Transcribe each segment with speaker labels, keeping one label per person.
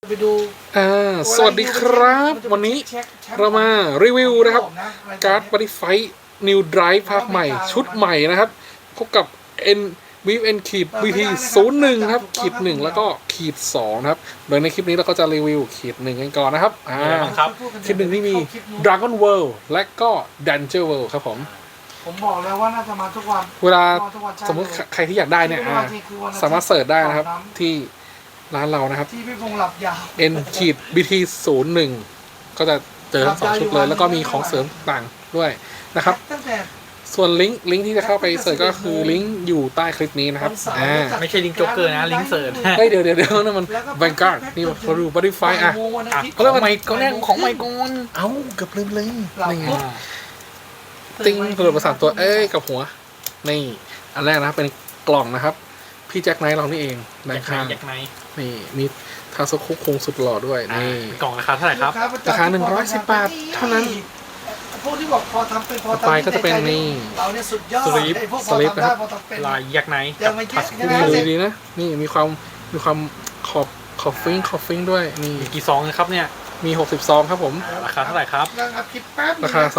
Speaker 1: ไปดู
Speaker 2: สวัสดีครับวันนี้เรามารีวิวนะครับการ์ดบริไฟนิวไดรฟ์ภาคใหม่ชุดใหม่นะครับพบกับ VN ขีด BT 01ครับขีด1แล้วก็ขีด2นะครับโดยในคลิปนี้เราก็จะรีวิวขีด1กันก่อนนะครับขีด1ที่มี Dragon World และก็ Danger World ครับผม
Speaker 1: บอกแล้วว่าน่าจะมาทุกวัน
Speaker 2: เวลาสมมติใครที่อยากได้เนี่ยสามารถเสิร์ชได้นะครับที่ร้านเรานะครับ
Speaker 1: ที่พี่พงษ์หลับยาว
Speaker 2: N ขีด BT 01ก็จะเจอทั้ง2ชุดเลยแล้วก็มีของเสริมต่างด้วยนะครับส่วนลิงก์ที่จะเข้าไปเสิร์ชก็คือลิงก์อยู่ใต้คลิปนี้นะครับ
Speaker 3: ไม่ใช่ลิงก์โจ๊กเกอร์นะลิงก์เสิร์ช
Speaker 2: เดี๋ยวนั่นมันแบงการ์ดนี่เขาดูบริไฟเขาเรียกว่าไมโครเนี่ยของไมโครเกือบลืมเลยนี่ไงติ้งกระโดดประสานตัวกับหัวนี่อันแรกนะครับเป็นกล่องนะครับพี่แจ็คไนท์เรานี่เอง
Speaker 3: ในข้าง
Speaker 2: นี่มีทาโซคุคงสุดหล่อด้วยนี่
Speaker 3: กล่องราคาเท่าไหร่ครับ
Speaker 2: ราคา110 บาทเท่านั้น
Speaker 1: พวกที่บอกพอทำเป็นพอ
Speaker 2: ไปก็จะเป็นนี่
Speaker 1: เราเนี่ยสุดยอด
Speaker 2: สลิปนะครับ
Speaker 3: ลายยักษ์ไนท์กับ
Speaker 2: ทัสกูดีนะนี่มีความขอบฟิ้งด้วยนี่
Speaker 3: กี่ซองครับเนี่ย
Speaker 2: มี60 ซองครับผม
Speaker 3: ราคาเท่าไหร่ครับ
Speaker 2: ราคา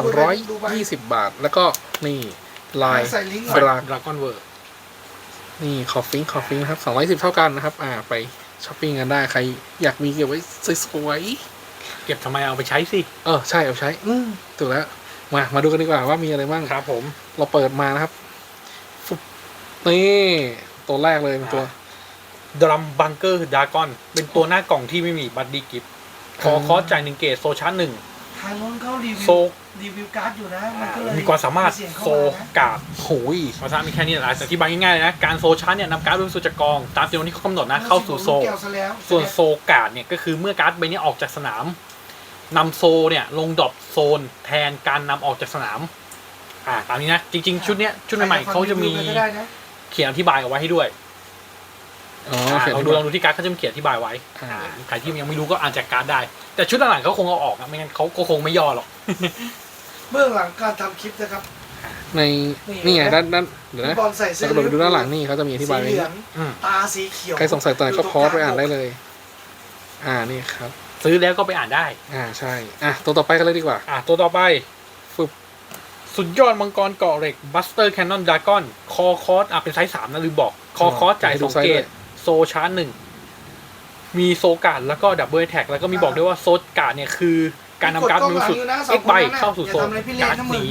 Speaker 2: 220 บาทแล้วก็นี่ลาย
Speaker 3: ดราก้อนเวิร์
Speaker 2: นี่ขอบฟิ้งครับ210เท่ากันนะครับไปช้อปปิ้งกันได้ใครอยากมีเก็บไว้สวย
Speaker 3: ๆเก็บทำไมเอาไปใช้สิ
Speaker 2: ใช่เอาใช้ถูกแล้วมาดูกันดีกว่าว่ามีอะไรบ้าง
Speaker 3: ครับผม
Speaker 2: เราเปิดมานะครับนี่ตัวแรกเลยเป็นตัว
Speaker 3: ดรัมบังเกอร์ดากอนเป็นตัวหน้ากล่องที่ไม่มีบัตรดีกิฟต์คอจ่าย1 เกตโซชาร์1
Speaker 1: ทางนู้นเขารีวิวการ์ดอยู่นะมันก็เลย
Speaker 3: มีความสามารถโซการ์ด
Speaker 2: โอ้ย
Speaker 3: ภาษามีแค่นี้แหละแต่ที่บางง่ายๆเลยนะการโซชาร์เนี่ยนำการ์ดบนสู่จากกองตามจำนวนที่เขากำหนดนะเข้าสู่โซส่วนโซการ์ดเนี่ยก็คือเมื่อการ์ดใบนี้ออกจากสนามนำโซเนี่ยลงดรอปโซนแทนการนำออกจากสนามตามนี้นะจริงๆชุดเนี้ยชุดใหม่ๆเขาจะมีเขียนอธิบายเอาไว้ให้ด้วยลองดูที่การ์ดเขาจะมีเขียนอธิบายไว้ใครที่ยังไม่รู้ก็อ่านจากการ์ดได้แต่ชุดหลังๆเขาคงเอาออกนะไม่งั้นเขาก็คงไม่ย่อหรอก
Speaker 1: เบื้องหลังการทำคลิปนะครับ
Speaker 2: ในนี่ไงด้านเดี๋ยวนะเราไปดูด้านหลังนี่เขาจะมีอธิบายไว้
Speaker 1: ตาสีเขียว
Speaker 2: ใครสงสัยตัวไหนก็พอสไปอ่านได้เลยนี่ครับ
Speaker 3: ซื้อแล้วก็ไปอ่านได้
Speaker 2: ใช่ตัวต่อไปกันเลยดีกว่า
Speaker 3: ตัวต่อไปสุดยอดมังกรเกาะเหล็กบัสเตอร์แคนนอนดากอนคอคอสเป็นไซส์3นะลืมบอกคอคอสจ่าย2 เกตโซชาร์1มีโซการ์ดแล้วก็ดับเบิลแท็กแล้วก็มีบอกด้วยว่าโซการ์ดเนี่ยคือการนำการ์ดมือสุด X ใบเข้าสู่โซนการ์ดนี้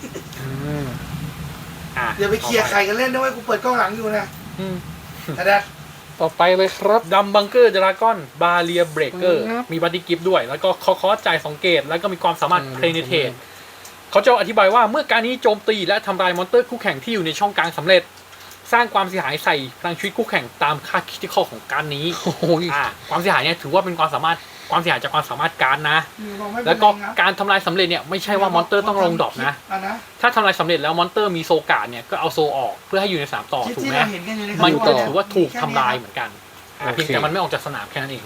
Speaker 1: อย่าไปเคลียร์ใครกันเล่นด้วยกูเปิดกล้องหลังอยู่นะ
Speaker 2: ต่อไปเลยครับ
Speaker 3: ดัมบังเกอร์ดราก้อนบาเรียเบรกเกอร์มีบัตตี้กิฟต์ด้วยแล้วก็คอจ่าย2 เกตแล้วก็มีความสามารถเพลเนเทตเขาจะอธิบายว่าเมื่อการนี้โจมตีและทำลายมอนสเตอร์คู่แข่งที่อยู่ในช่องกลางสำเร็จสร้างความเสียหายใส่พลังชีวิตคู่แข่งตามค่าคริติคอลของการนี้ความเสียหายเนี่ยถือว่าเป็นความเสียหายจากความสามารถการนะแล้วก็การทำลายสำเร็จเนี่ยไม่ใช่ว่ามอนสเตอร์ต้องลงดรอปนะถ้าทำลายสำเร็จแล้วมอนสเตอร์มีโซการ์ดเนี่ยก็เอาโซออกเพื่อให้อยู่ในสนามต่อถูกไหมมันก็ถือว่าถูกทำลายเหมือนกันเพียงแต่มันไม่ออกจากสนามแค่นั้นเอง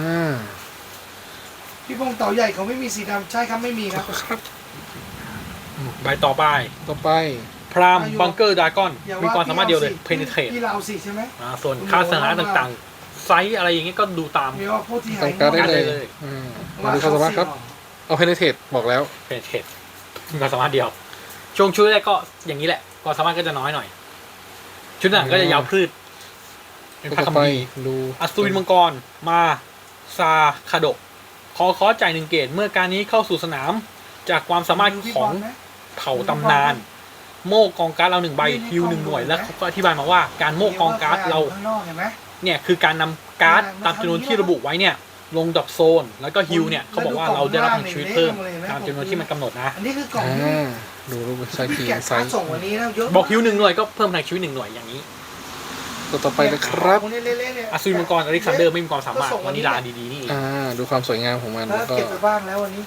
Speaker 1: พี่พงษ์เต่าใหญ่เขาไม่มีสีดำใช่ครับไม่มีครับ
Speaker 3: ใบต่อไปพรามบังเกอร์ดากอนมีความสามารถเดียวเลยเพนเทรต
Speaker 1: ที่เราสิใช่ไหม
Speaker 3: ส่วนค่าสถานะต่างๆไซส์อะไรอย่างเงี้ยก็ดูตาม
Speaker 2: ต้องการได้เลยมาดูความสามารถครับเอาเพนเทรตบอกแล้ว
Speaker 3: เพนเทรตมีความสามารถเดียวช่วงชุดแรกก็อย่างนี้แหละความสามารถก็จะน้อยหน่อยชุดหลังก็จะยาวพืช
Speaker 2: เป็นค่าคำดีดู
Speaker 3: อัศวินมังกรมาซาคาโดคอจ่าย1 เกตเมื่อการนี้เข้าสู่สนามจากความสามารถของเผ่าตำนานโม่กองการ์ดเรา1 ใบฮิว1 หน่วยแล้วเขาก็อธิบายมาว่าการโม่กองการ์ดเราเนี่ยคือการนำการ์ดตามจำนวนที่ระบุไว้เนี่ยลงดรอปโซนแล้วก็ฮิวเนี่ยเขาบอกว่าเราได้รับพลังชีวิตเพิ่มตามจำนวนที่มันกำหนดนะ
Speaker 1: อันนี้คือกล่อง
Speaker 2: ดูรูปไซส์ทีไซส์
Speaker 3: บอกฮิว1 หน่วยก็เพิ่มพลังชีวิต1 หน่วยอย่างนี้
Speaker 2: ตัวต่อไปเลยครับ
Speaker 3: อัศวินมังกรอเล็กซานเดอร์ไม่มีความสามารถวานิลาดีๆนี่
Speaker 2: ดูความสวยงามของมัน
Speaker 1: แล้วก็เก็บไปบ้างแล้ววันนี้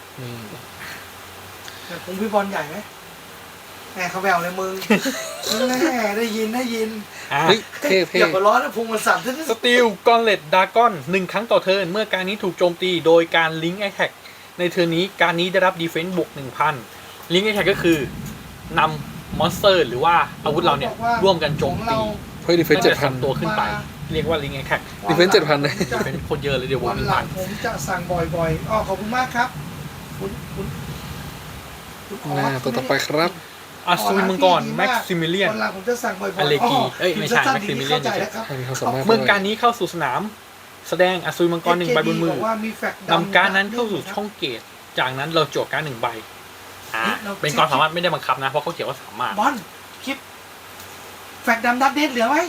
Speaker 1: แต่คงพี่บอลใหญ่ไหมแหมเขาแววเลยมึงได้ยิน
Speaker 2: เท่
Speaker 1: อย่าไปร้อนนะพุงมันสั่น
Speaker 3: สตีลกอนเลตดากอน1 ครั้งต่อเทิร์นเมื่อการนี้ถูกโจมตีโดยการลิงก์แอคแท็กในเทิร์นนี้การนี้ได้รับดีเฟนส์บวก 1,000 ลิงก์แอคแท็กก็คือนำมอนสเตอร์หรือว่าอาวุธเราเนี่ยร่วมกันโจมตี
Speaker 2: เพื่อดีเฟนส์7,000
Speaker 3: ตัวขึ้นไปเรียกว่าลิงแอคแท็ก
Speaker 2: ดีเฟนส์7,000เลย
Speaker 3: เป็นคนเยอะเลยเดี๋ยวว
Speaker 1: วัน น
Speaker 3: หนึ่ง
Speaker 1: หลั
Speaker 3: พั
Speaker 1: ง
Speaker 3: น
Speaker 1: ผมจะสั่งบ่อยๆอ๋อขอบคุณมากครับคุณ
Speaker 2: ต่อไปครับ
Speaker 3: อัศวินมังกรแม็กซิมิเลียน
Speaker 1: วันหลังผมจะสั่งบ่อยๆ
Speaker 3: อเลกีเอ้ยไม่ใช่ Maximilian
Speaker 1: เข้าใจแล้วครับ
Speaker 2: ให้มีความสามารถ
Speaker 3: เมื่อการนี้เข้าสู่สนาม แสดงอัศวินมังกรหนึ่งใบบนมือ
Speaker 1: บอกว่ามีแฟกต์
Speaker 3: นำการดนั้นเข้าสู่ช่องเกตจากนั้นเราจั่วการดหนึ่งใบเป็นความสามารถไม่ได้บังคับนะ เพราะเขาเขียนว่าสามารถ
Speaker 1: บอลคลิปแฟกต์ดำดับเดทเหลือไหม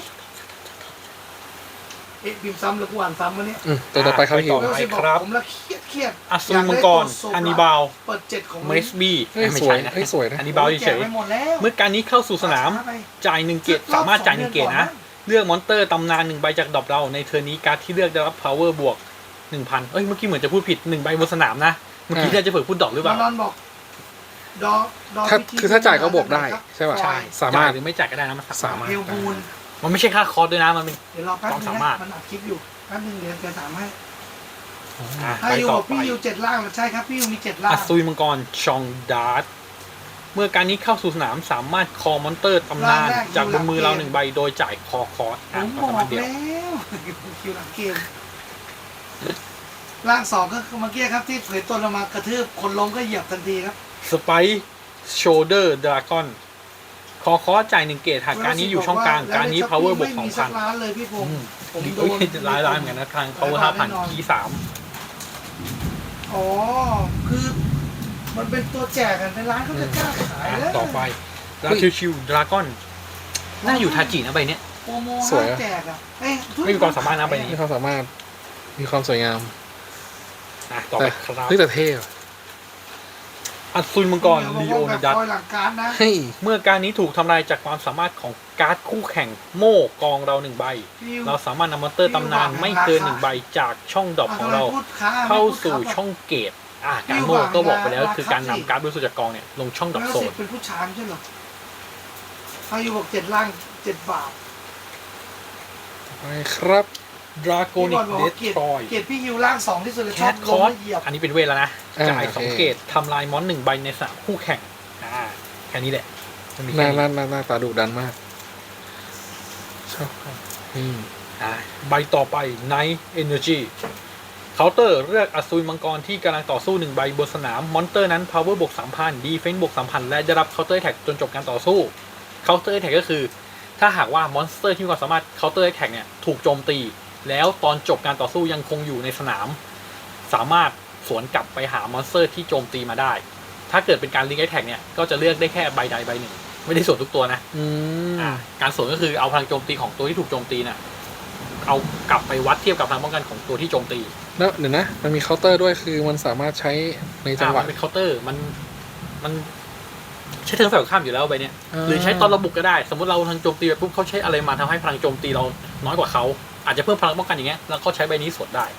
Speaker 1: เอ๊ะบิมซ้ำหรือกูอ่านซ้ำวะเนี่ย
Speaker 2: ตัวต่อไปครับฮิว
Speaker 3: ต่อไปครับ
Speaker 1: ผมละเครียด
Speaker 3: อัศวินมังกรฮันนิบาล
Speaker 1: เปิด7ของ
Speaker 3: เมสบี้
Speaker 2: เฮ้ย
Speaker 3: ไม่
Speaker 2: สวย
Speaker 3: ใช่นะ
Speaker 2: เฮ้ยสวยนะ
Speaker 3: ฮันนิบาลเฉย
Speaker 1: ไปหมดแล้ว
Speaker 3: ๆเมื่อการนี้เข้าสู่สนามจ่ายหนึ่งเกตสามารถจ่ายหนึ่งเกตนะ เลือกมอนเตอร์ตำนานหนึ่งใบจากดรอปเราในเทอร์นี้การ์ดที่เลือกได้รับ power บวก 1,000 เอ้ยเมื่อกี้เหมือนจะพูดผิด1ใบบนสนามนะ เมื่อกี้น่าจะเผื่อพูดดอกหรือเปล่า
Speaker 1: นอนบอกดอ
Speaker 2: ถ้าคือถ้าจ่ายก็บวกได้ใช่ป่ะ
Speaker 3: ใช่
Speaker 2: สามารถ
Speaker 3: จ่ยหรือไม่จ่ายก็ได้นะมันสามารถ
Speaker 1: เฮลบูน
Speaker 3: มันไม่ใช่ค่าคอร์สด้วยนะมันเป็น
Speaker 1: เดี๋ยวรอแป๊บนึง
Speaker 3: ความสามาร
Speaker 1: นะ
Speaker 3: ถ
Speaker 1: มันอัดคลิปอยู่แป๊บนึงเดี๋ยวจะถามให้
Speaker 3: อ่ะ
Speaker 1: ถ้า
Speaker 3: ไป
Speaker 1: อยู่
Speaker 3: ต่อ
Speaker 1: กับ
Speaker 3: ไป
Speaker 1: พี่อยู่7ล่างเหรอใช่ครับพี่อยู่มี7ล่าง
Speaker 3: อัศวินมังกรชองดาร์ตเมื่อการนี้เข้าสู่สนามสามารถคอมอนเตอร์ตำนานจากบนมือเราหนึ่งใบโดยจ่ายคอคอร์ส
Speaker 1: ผม
Speaker 3: ค
Speaker 1: บ
Speaker 3: วาม
Speaker 1: อ
Speaker 3: สามาร
Speaker 1: ก
Speaker 3: ถเดียว
Speaker 1: แล้วคิวหลังเกมล่าง2ก็คือเมื่อกี้ครับที่เผยตัวลงมากระทืบคนล้มก็เหยียบทันทีครับ
Speaker 3: สไปโชเดอร์ดราก้อนคอคอร์สจ่ายหนึ่งเกตหากการนี้อยู่ช่องกลางการนี้ power บวก
Speaker 1: ไม่มีสัก
Speaker 3: 2,000
Speaker 1: ล้านเลยพี่พง
Speaker 3: อื
Speaker 1: ษ์
Speaker 3: ม
Speaker 1: ผมโด
Speaker 3: โอ้ย
Speaker 1: น
Speaker 3: ร้ายๆเหมือนกันนะทาง power 5,000คีย์3
Speaker 1: อ๋อคือมันเป็นตัวแจกกันในร้านเขาจะกล้าขายแล้ว
Speaker 3: ต่อไปราชิวดราก้อนน่าอยู่ทาจินะใบเนี้ย
Speaker 1: โปรโม
Speaker 2: สวยอะ
Speaker 1: แจกอะเอ้ย
Speaker 3: ไม่มีความสามารถนะใบนี้
Speaker 2: มีความสามารถมีความสวยงาม
Speaker 3: ต่อไป
Speaker 2: แต่
Speaker 3: ครับ
Speaker 2: เฮ้ยแต่เท่อะ
Speaker 3: อัศวินมังกรลีโอนิดัส
Speaker 1: คอยหลังการนะ
Speaker 2: เฮ้ย
Speaker 3: เมื่อการนี้ถูกทำลายจากความสามารถของการ์ดคู่แข่งโม่กองเราหนึ่งใบ เราสามารถนำมอนเตอร์ตำนานไม่เกินหนึ่งใบจากช่องดรอปของเรา เข้าสู่ช่องเกตการโม่ก็บอกไปแล้วคือการนำการ์ดบริสุทธิ์จากกองเนี่ยลงช่องดรอป
Speaker 1: แล้ว
Speaker 3: โซ
Speaker 1: สิ
Speaker 3: น
Speaker 1: เป็นผู้ชายไม่ใช่เหรออายุบอก7ล่าง7 บาท
Speaker 2: ไปครับ
Speaker 3: ดราโกนิก
Speaker 1: พี่บอลบ
Speaker 3: เด
Speaker 1: อก
Speaker 3: ส
Speaker 1: เกียรติ
Speaker 3: ทรอย
Speaker 1: เกียรติพี่ฮิวล่าง2ที่สุดเลย
Speaker 3: แค
Speaker 1: ชอบ
Speaker 3: ทค
Speaker 1: ล้
Speaker 3: อ
Speaker 1: ม
Speaker 3: ร์ส
Speaker 1: และเหยียบ
Speaker 3: อันนี้เป็นเวทแล้วนะ จ่าย
Speaker 2: โอเค
Speaker 3: สองเกตทำลายมอนหนึ่งใบในสนามคู่แข่งแค่นี้แหละไม่มี
Speaker 2: ห
Speaker 3: แค่
Speaker 2: น้า
Speaker 3: นี้
Speaker 2: หน้าตาดุดันมากชอบอืม
Speaker 3: ใบต่อไป Night Energy เคาน์เตอร์เลือกอัศวินมังกรที่กำลังต่อสู้หนึ่งใบบนสนามมอนเตอร์นั้น power บวก 3,000 defense บวก 3,000 และได้รับเคาน์เตอร์แท็กจนจบการต่อสู้เคาน์เตอร์แท็กก็คือ ถ้าหากว่ามอนสเตอร์ที่มีความสามารถเคาน์เตอร์แท็กเนี่ยถูกโจมตี แล้วตอนจบการต่อสู้ยังคงอยู่ในสนาม สามารถสวนกลับไปหามอนสเตอร์ที่โจมตีมาได้ ถ้าเกิดเป็นการลิงก์แท็กเนี่ยก็จะเลือกได้แค่ใบใดใบหนึ่งไม่ได้สวนทุกตัวนะ
Speaker 2: อืม
Speaker 3: การสวนก็คือเอาพลังโจมตีของตัวที่ถูกโจมตีน่ะเอากลับไปวัดเทียบกับพลังป้องกันของตัวที่โจมตี
Speaker 2: แล้วเดี๋ยวนะ มันมีเคาน์เตอร์ด้วยคือมันสามารถใช้ในจังหวะ
Speaker 3: มันเป็นเคาน์เตอร์มันใช้เทิร์นฝ่ายตรงข้ามอยู่แล้วใบเนี้ย
Speaker 2: อ่า
Speaker 3: หรือใช้ตอนระบุกก็ได้ สมมติเราทางโจมตีไปปุ๊บเขาใช้อะไรมาทำให้พลังโจมตีเราน้อยกว่าเขาอาจจะเพิ่มพลังป้องกันอย่างเงี้ยแล้วเขาใช้ใบนี้สวนได้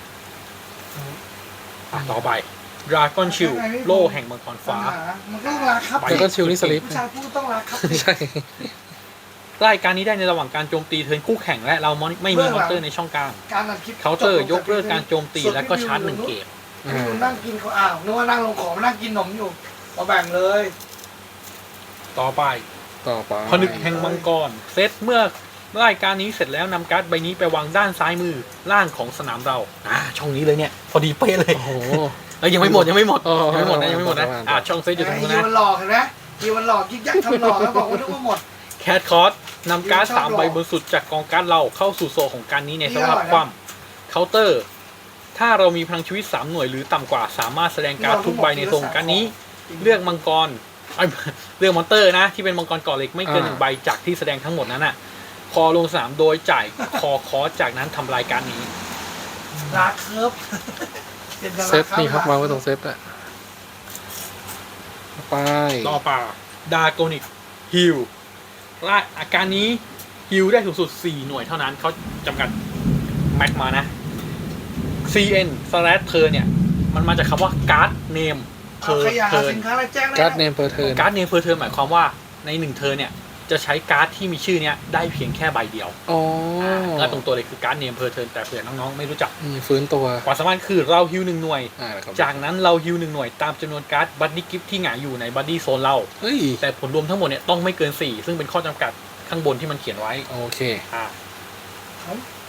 Speaker 3: ต่อไปดราก้อนชิลโล่แห่งมังกรฟ้า
Speaker 1: มันก็ต้องรักครับ
Speaker 3: ไป
Speaker 2: แล้วก็ชิลนี่สลิป
Speaker 1: ผู้ชายพูดต้องรักครับ
Speaker 2: ใช่
Speaker 3: รายการนี้ได้ในระหว่างการโจมตีเทิร์นคู่แข่งและเราไม่มีมอนเตอร์ในช่องกลาง
Speaker 1: การอัดคลิป
Speaker 3: เคาน์เตอร์ยกเลิกการโจมตีและก็ชาร์จหนึ่งเกม
Speaker 1: พี่อยู่นั่งกินเขาอ้าวนึกว่านั่งลงของนั่งกินขนมอยู่มาแบ่งเลย
Speaker 3: ต่อไป
Speaker 2: ต่อไป
Speaker 3: ผนึกแห่งมังกรเซตเมื่อรายการนี้เสร็จแล้วนำการ์ดใบนี้ไปวางด้านซ้ายมือล่างของสนามเราช่องนี้เลยเนี่ยพอดีเป๊ะเลย
Speaker 2: โอ้โห
Speaker 3: ยังไม่หมดยังไม่หมด
Speaker 2: อ๋อ
Speaker 3: ยังไม่หมดนะยังไม่หมดนะ
Speaker 2: ประมาณ
Speaker 3: ช่องเซตอยู่ตรงนู้น
Speaker 1: ยี
Speaker 3: นะ
Speaker 1: วันหลอกเห็นไหมยีวันหลอกยิกยักทำหลอกแล้วบอกว่านึกว่าหมด
Speaker 3: แคทคอร์สนำการ์ด3ใบบนสุดจากกองการ์ดเราเข้าสู่โซนของการนี้ในสภาพคว่ำเคาน์เตอร์ถ้าเรามีพลังชีวิต3หน่วยหรือต่ำกว่าสามารถแสดงการ์ดทุกใบในโซนของการนี้ เลือกมังกรเลือกมอนเตอร์นะที่เป็นมังกรก่อเหล็กไม่เกินหนึ่งใบจากที่แสดงทั้งหมดนั้นน่ะคอลงสนามโดยจ่ายคอคอร์สจากนั้นทำลายการนี้
Speaker 1: ลาเคิร์ฟเป็น
Speaker 2: เซตนี่ครับวางไว้ตรงเซตอะไป
Speaker 3: ต่อป่าดาโกนิกฮิลอาการนี้ฮิลได้สูงสุด4หน่วยเท่านั้นเขาจำกัดแม็กมานะ CN slash เธอเนี่ยมันมาจากคำว่าการ์ดเนมเพอ
Speaker 1: ข
Speaker 3: ร์
Speaker 1: ยะ
Speaker 3: เทิร์น
Speaker 1: สินค้าอะไรแจ้งได้
Speaker 2: การ์ดเนมเพอร์เทิร์น
Speaker 3: การ์ดเนมเพอร์เทิร์นหมายความว่าใน1เทิร์นเนี่ยจะใช้การ์ดที่มีชื่อเนี้ยได้เพียงแค่ใบเดียว
Speaker 2: อ๋อ
Speaker 3: ก็ตรงตัวเลยคือการ์ดเนมเพอร์เทิร์นแต่เผื่อน้องๆไม่รู้จัก
Speaker 2: ฟื้นตัว
Speaker 3: ความสามารถคือเราฮิล1หน่วย
Speaker 2: ครับ
Speaker 3: จากนั้นเราฮิล1หน่วยตามจำนวนการ์ดบัดดี้กิฟที่หงายอยู่ในบัดดี้โซนเรา
Speaker 2: เฮ้ย
Speaker 3: แต่ผลรวมทั้งหมดเนี่ยต้องไม่เกิน4ซึ่งเป็นข้อจำกัดข้างบนที่มันเขียนไว้
Speaker 2: โอเค
Speaker 3: อ่า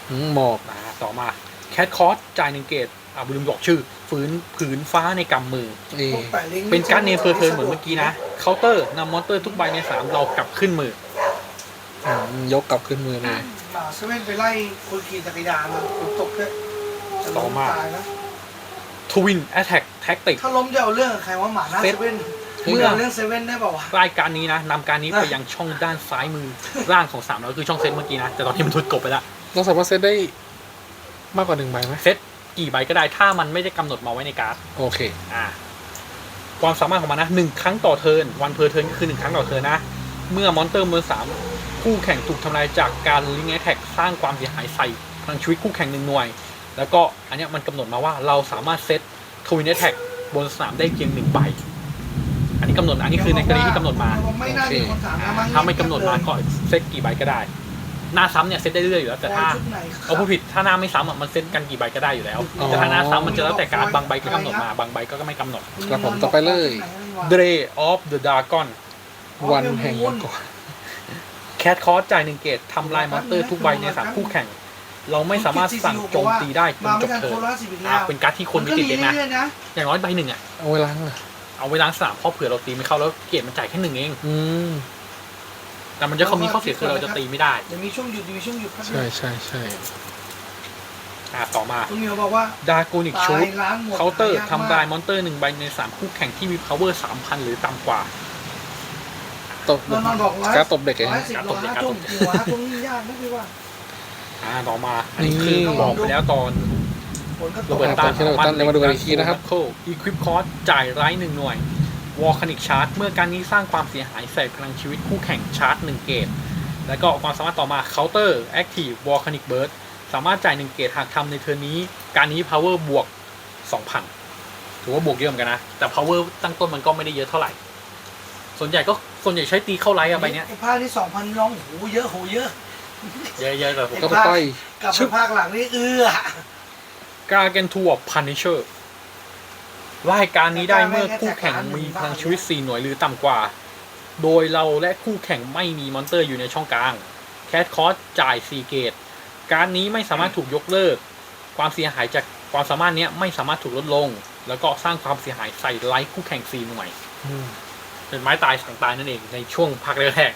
Speaker 2: หมอก
Speaker 3: ต่อมาแคทคอร์สจ่าย1เกตลืมบอกชื่อผืนฟ้าในกำมือ
Speaker 1: พวกแปะลิงก์
Speaker 3: เป็นการ์ดเนมเพอร์เทิร์นเหมือนเมื่อกี้นะเคาน์เตอร์นำมอนเตอร์ทุกใบใน3เรากลับขึ้นมือ
Speaker 2: ยกกลับขึ้นมือเลย
Speaker 1: หมาเซเว่นไปไล่คนขี่จักรยานมันฝนตกด้วยจะล้มตายนะ
Speaker 3: ทวินแอตแทกแท็กติก
Speaker 1: ถ้าล้มจะเอาเรื่องกับใครว่าหมาหน้าเซเว่น
Speaker 3: เมื่อ
Speaker 1: เอาเรื่องเซเว่นได้เปล่าวะ
Speaker 3: รายการนี้นะนำการนี้ไปยังช่องด้านซ้ายมือล่างของ3เราคือช่องเซตเมื่อกี้นะแต่ตอนนี้มันทุดกบไปแล้ว
Speaker 2: เราสามารถเซตได้มากกว่า1ใบไหม
Speaker 3: เซตกี่ใบก็ได้ถ้ามันไม่ได้กำหนดมาไว้ในการ์ด
Speaker 2: โอเค
Speaker 3: ความสามารถของมันนะ1ครั้งต่อเทิร์นวันเพอร์เทิร์นก็คือ1ครั้งต่อเทิร์นนะเมื่อมอนเตอร์เบอร์3คู่แข่งถูกทำลายจากการลิงก์แอทแทกสร้างความเสียหายใส่พลังชีวิตคู่แข่ง1หน่วยแล้วก็อันเนี้ยมันกำหนดมาว่าเราสามารถเซตทวินแอทแทกบนสนามได้เพียง1ใบอันนี้กำหนดอันนี้คือในกรณีที่กำหนดมา
Speaker 1: ไม่น่ามีคนถามนะมั้ง
Speaker 3: ถ้าไม่กำหนดมาก็เซตกี่ใบก็ได้หน้าซ้ำเนี่ยเซตได้เรื่อยอยู่แล้วแต่ถ้า
Speaker 1: ชุดไหนค
Speaker 3: เอาผู้ผิดถ้าหน้าไม่ซ้ำอ่ะมันเซตกันกี่ใบก็ได้อยู่แล้วแต่ถ้าหน้าซ้ำมันจะแล้วแต่การดบางใบก็กำหนดมาบางใบก็ไม่กำหนด
Speaker 2: ครับผมต่อไปเลย
Speaker 3: Day of the Dragon
Speaker 2: วันแห่งมังกร
Speaker 3: แคทคอร์สจ่าย1เกตทำลายมอนเตอร์ทุกใบใน3คู่แข่ง เราไม่สามารถสั่งโจมตีได้จน
Speaker 1: มา
Speaker 3: จ
Speaker 1: ไม่
Speaker 3: บ
Speaker 1: ทัน
Speaker 3: เทิ
Speaker 1: โค
Speaker 3: ร์น
Speaker 1: ราชสิบอีกแล้ว
Speaker 3: เป็นการ์ดที่คนไม่ติดเด็กนะ
Speaker 1: รื่อยๆนะ
Speaker 3: อย่างน้อยใบหนึ่งอ่ะ
Speaker 2: เอาไว้ล้างเลย
Speaker 3: เอาไว้ล้างสนามเพราะเผื่อเราตีไม่เข้าแล้วเกตมันจ่ายแค่1เอง
Speaker 2: อืม
Speaker 3: แต่มันจะเขามีข้อเสียคือเราจะตีไม่ได้
Speaker 1: เดี๋ยวมีช่วงหยุดมีช่วงหยุดครับ
Speaker 2: ใช่
Speaker 3: ต่อมา
Speaker 1: คุณเหมียวบอกว่า
Speaker 3: ดาโกนิก
Speaker 1: ตา
Speaker 3: ชู
Speaker 1: ย
Speaker 3: ด
Speaker 1: ล้างหมด
Speaker 3: เคาน์เตอร์
Speaker 1: หยกมก
Speaker 3: ทำลายมอนเตอร์1ใบใน3คู่แข่งที่มี power 3,000 หรือต่ำกว่า
Speaker 2: ตบ
Speaker 1: นอนบอกว่า
Speaker 2: การตบเด็กเอง
Speaker 1: 110 105ทุ่มหัวตรงนี้ยากนะพี่ว่า
Speaker 3: ต่อมาอันนี้คือบอกไปแล้วตอน
Speaker 1: ฝนก็ต
Speaker 3: โร
Speaker 1: ก
Speaker 3: เบิร์ตตัน
Speaker 2: โรเบิร์ตตันเดี๋ยวมาดูกันอีกทีนะครับ
Speaker 3: อีควิปคอร์สจ่ายไร้1หน่วย วอลคานิกชาร์จเมื่อการนี้สร้างความเสียหายใส่พลังชีวิตคู่แข่งชาร์จ1เกตแล้วก็ความสามารถต่อมาเคาน์เตอร์แอคทีฟวอลคานิกเบิร์ดสามารถจ่าย1เกตหากทำในเทิร์นนี้การนี้ power บวก 2,000 ถือว่าบวกเยอะเหมือนกันนะ แต่ power ตั้งต้นมันก็ไม่ได้เยอะเท่าไหร่ ส่วนใหญ่ใช้ตีเข้าไลท์อะใบเนี้ย
Speaker 1: ไอ้ภาคที่ 2,000ร้องโหเยอะโหเยอะ
Speaker 3: เยอะๆแต่ผม
Speaker 2: ก็ไป
Speaker 1: กลับไปภาคหลังนี่
Speaker 3: กาเกนทัวร์พันนิเชอร์รายการนี้ได้เมื่อคู่แข่งมีพลังชีวิต4หน่วยหรือต่ำกว่า โดยเราและคู่แข่งไม่มีมอนเตอร์อยู่ในช่องกลางแคทคอร์สจ่าย4เกตการนี้ไม่สามารถถูกยกเลิกความเสียหายจากความสามารถนี้ไม่สามารถถูกลดลง แล้วก็สร้างความเสียหายใส่ไลท์คู่แข่ง4หน่วยเป็นไม้ตายสั่งตายนั่นเองในช่วงพักแรก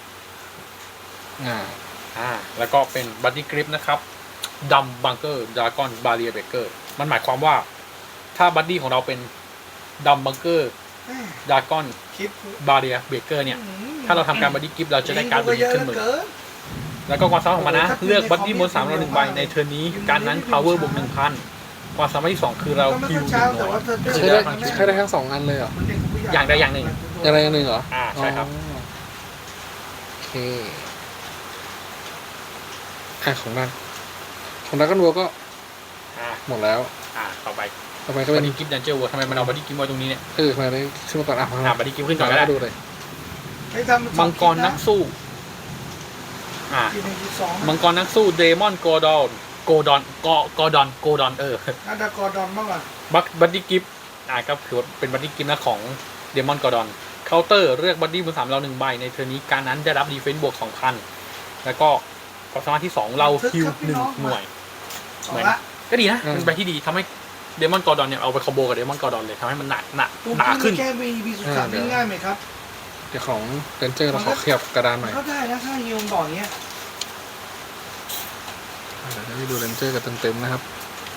Speaker 3: แล้วก็เป็นบัดดี้กริปนะครับดัมบังเกอร์ดราก้อนบาเรียเบเกอร์มันหมายความว่าถ้าบัดดี้ของเราเป็นดัมบังเกอร์ดราก้อน
Speaker 1: คลิป
Speaker 3: บาเรียเบเกอร์เนี่ยถ้าเราทำการบัดดี้กริปเราจะได้การ์ดบัดดี้ขึ้นมือแล้วก็ความสามารถของมันนะเลือกบัดดี้บน3เรา1ใบในเทิร์นนี้การนั้น power บวก 1,000 ความสามารถที่2คือเราฮิว1หน่วย
Speaker 2: ใช้ได้ทั้ง2อันเลยเหรอ
Speaker 3: อย่างใดอย่างหนึ่ง
Speaker 2: อะไรอย่างหนึ่งเหรอ
Speaker 3: ใช่ครับ
Speaker 2: โอเคของดักกันวัวก็หมดแล้ว
Speaker 3: ต่อไป
Speaker 2: ต่อไปก็
Speaker 3: บั
Speaker 2: เป็
Speaker 3: ด
Speaker 2: น
Speaker 3: ดี้กริปดันเจอร์วัวทำไมมันเอาบัดดี้กริปไว้ตรงนี้เนี่ย
Speaker 2: มาได้ขึ้นมาก่อน
Speaker 3: บัดดี้กริปขึ้นก่อนก็ได้
Speaker 2: ดูเลย
Speaker 3: มังกรนักสู้มังกรนักสู้เดมอนโกดอนน่าจะ
Speaker 1: กอร์ดอนบ้างอ่ะ
Speaker 3: บัดดี้กิฟก็คือเป็นบัดดี้กิฟนะของเดมอนกอร์ดอนเคาน์เตอร์เลือกบัดดี้บน3เรา1ใบในเทอร์นี้การนั้นได้รับดีเฟนซ์บวก 2,000 แล้วก็ความสามารถที่2เราฮิว1หน่วยเหมือนก็ดีนะเป็นใบที่ดีทำให้เดมอนกอร์ดอนเนี่ยเอาไปคอมโบกับเดมอนกอร์ดอนเลยทำให้มันหนาขึ้น
Speaker 1: แค่มีสุดสัปดาห์ง่ายไหมครับ
Speaker 2: เดี๋ยวของเรนเจอร์เราขอขยับกระดานหน่อย
Speaker 1: ก็ได้นะถ้าฮิวบ่อยเงี้ย
Speaker 2: เดี๋ยวให้ดูเรนเจอร์กันเต็มๆนะครับ